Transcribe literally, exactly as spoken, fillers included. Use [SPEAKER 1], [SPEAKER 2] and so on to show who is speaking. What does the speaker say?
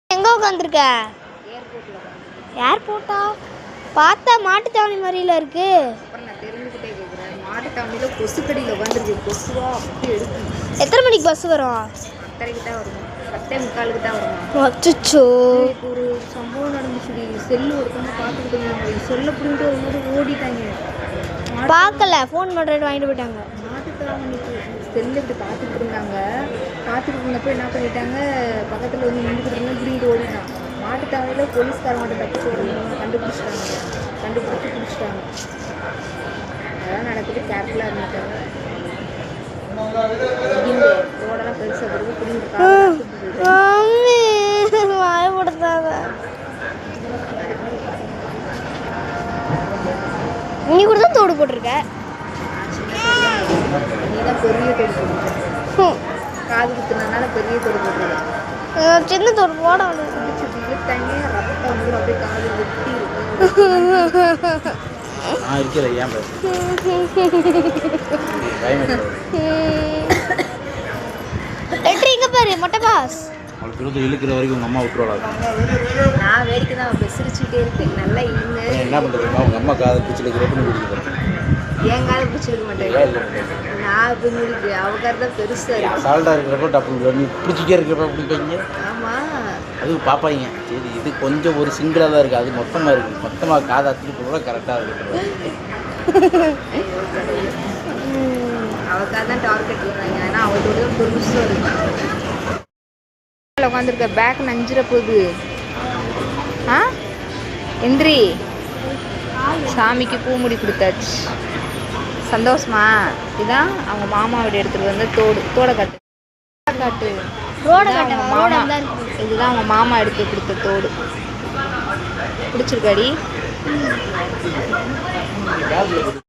[SPEAKER 1] எங்கே உட்காந்துருக்க? ஏர்போர்ட்டா? பார்த்தா மாட்டுத்தாவணி மாதிரில இருக்கு.
[SPEAKER 2] அப்புறம் நான் தெரிஞ்சுக்கிட்டே கேட்குறேன். மாட்டுத்தாவணியில் கொசுக்கடியில் உட்காந்துருக்கு. கொசுவா அப்படி எடுக்கும்.
[SPEAKER 1] எத்தனை மணிக்கு பஸ் வரும்?
[SPEAKER 2] பத்தரைக்கு தான் வரும். பத்தே முக்காலுக்கு தான் வரும்.
[SPEAKER 1] அச்சோ,
[SPEAKER 2] இப்போ ஒரு சம்பவம் நடந்துச்சுடி. செல்லு ஒருத்தவங்க பார்த்துக்கிட்டு இருந்தாங்க. செல்லை பிடிங்கிட்டு ஒரு மாதிரி ஓடிட்டாங்க.
[SPEAKER 1] பார்க்கல, ஃபோன் பண்ணுறேன்னு வாங்கிட்டு போயிட்டாங்க.
[SPEAKER 2] மாட்டுத்தாவணிக்கு செல்லு இப்படி பார்த்துக்கிட்டு இருந்தாங்க. பார்த்துக்கிட்டு இருந்தப்போ என்ன பண்ணிட்டாங்க, பக்கத்தில் வந்து நின்றுக்கிட்டு இருந்தாங்க, பிடிங்கிட்டு ஓடிட்டான். மாட்டுத்தாவணியில் போலீஸ்காரங்கிட்ட தப்பிச்சு ஓடுவாங்க. கண்டுபிடிச்சிட்டாங்க. கண்டுபிடிச்சி பிடிச்சிட்டாங்க. அதெல்லாம் நடக்குது. கேர்ஃபுல்லாக இருந்துட்டாங்க. இங்கே ரோடெல்லாம் பெருசாக பிறகு பிடிங்கிட்டு
[SPEAKER 1] வாயப்படுத்தாங்க. நீ கூட தான் தோடு போட்டிருக்க.
[SPEAKER 2] நீ தான் பெரிய தோடு போட்டுருக்க. காது குத்துனதுனால பெரிய தோடு போட்டுருக்க.
[SPEAKER 1] சின்ன தோடு போட
[SPEAKER 2] இழுத்தாங்க. ரத்தம் வந்து அப்படியே காது வெட்டி
[SPEAKER 3] நான் இருக்கிறேன். ஏன்
[SPEAKER 1] லெட்ரு இங்கே பாரு. மொட்டை பாஸ்
[SPEAKER 3] அவளுக்கு இருபது இழுக்கிற வரைக்கும் உங்கள் அம்மா விட்டுருவாங்க.
[SPEAKER 2] நான் வேடிக்கை தான் இப்போ சிரிச்சுக்கிட்டே இருக்கேன். நல்லா இழுங்க.
[SPEAKER 3] என்ன பண்ணுறதுமா உங்கள் அம்மா காதை பிடிச்சி இழுக்கிறப்ப குடிக்க
[SPEAKER 2] என் காதை பிடிச்சி இழுக்க மாட்டேன். நான் இப்போ முடிக்கு அவக்கார தான் பெருசாக இருக்கு.
[SPEAKER 3] சால்ட்டாக இருக்கிறப்ப டப்பு நீ பிடிச்சிட்டே இருக்கிறப்ப பிடிப்பீங்க.
[SPEAKER 2] ஆமாம்,
[SPEAKER 3] அது பார்ப்பாங்க. சரி, இது கொஞ்சம் ஒரு சிங்கிளாக தான் இருக்குது. அது மொத்தமாக இருக்குது. மொத்தமாக காதை அத்துட்டு கூட கரெக்டாக இருக்குது.
[SPEAKER 2] அவக்காக தான் டார்கெட் பண்ணுறாங்க. ஆனால் அவளோட தான் பெருசாக இருக்கு. உட்காந்துருக்க பேக் நஞ்சிட போகுது. ஆ எந்திரி. சாமிக்கு பூமுடி கொடுத்தாச்சு. சந்தோஷமா? இதுதான் அவங்க மாமாவோட எடுத்துகிட்டு வந்து தோடு. தோடை காட்டு காட்டு
[SPEAKER 1] ரோட
[SPEAKER 2] அவங்க மாமா. இதுதான் அவங்க மாமா எடுத்து கொடுத்த தோடு. பிடிச்சிருக்காடி?